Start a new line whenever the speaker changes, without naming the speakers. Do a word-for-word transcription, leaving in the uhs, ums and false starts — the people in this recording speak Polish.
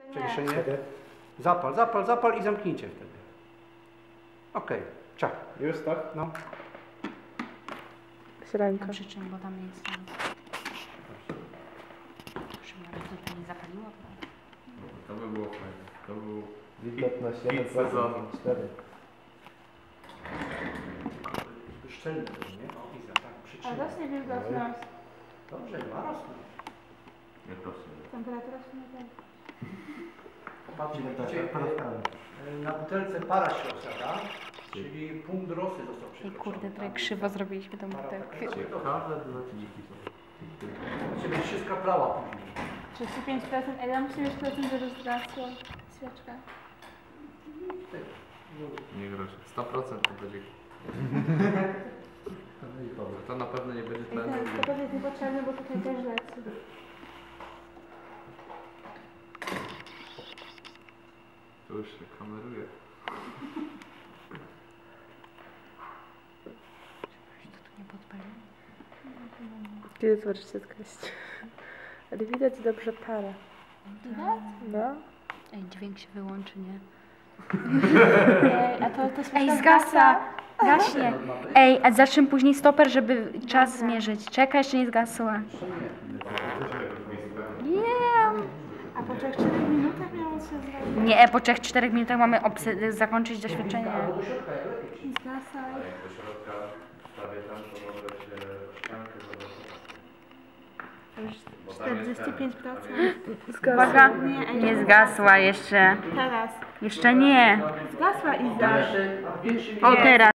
Przeniesienie. Zapal, zapal, zapal i zamknijcie wtedy. Okej, okay. Ciach.
Już tak?
No.
Ręka.
Przy czym, bo tam jest tam. Żeby to nie zapaliło?
To by było fajne. To był
Wilgotność
hit
jeden procent,
sezonu.
cztery.
Szczelny, nie? O, Iza, tak,
A
przytrzymaj.
rośnie wilgotność.
Dobrze, ma rosnąć.
Nie proszę.
Temperatura się nie będzie.
Patrzcie,
Tak,
widzicie,
parówkami.
y, na butelce para się osiada, czyli punkt rosy został
Ej,
przekroczony.
kurde, trochę krzywo zrobiliśmy tą butelkę.
Ciekawe dla dziki są.
Ciebie wszystko plała później.
trzydzieści pięć procent, ale ja muszę mieć procent, żeby zgasła świeczka.
Nie groszy. sto procent to będzie. To na pewno nie będzie
I
tlenu.
ten stopot jest niepotrzebny, bo tutaj też leci.
To już się kameruje.
Tu nie podpaliło?
Kiedy zobaczycie skreślić. Ale widać dobrze parę. Widać? No.
Ej, dźwięk się wyłączy, nie?
Ej, a to, to świeczka
Ej, zgasa! Gaśnie! Ej, a zacznę później stoper, żeby czas zmierzyć. Czekaj, jeszcze nie zgasła. Nie!
A po trzech czterech minutach miało się zrobić.
Nie, po trzech czterech minutach mamy zakończyć doświadczenie.
I zgasaj.
Jak do środka wstawię tam, to może się ściankę zobaczyć.
Już czterdzieści pięć procent.
Uwaga,
Nie, ej,
nie zgasła jeszcze.
Teraz.
Jeszcze nie.
Zgasła Iza.
O, teraz.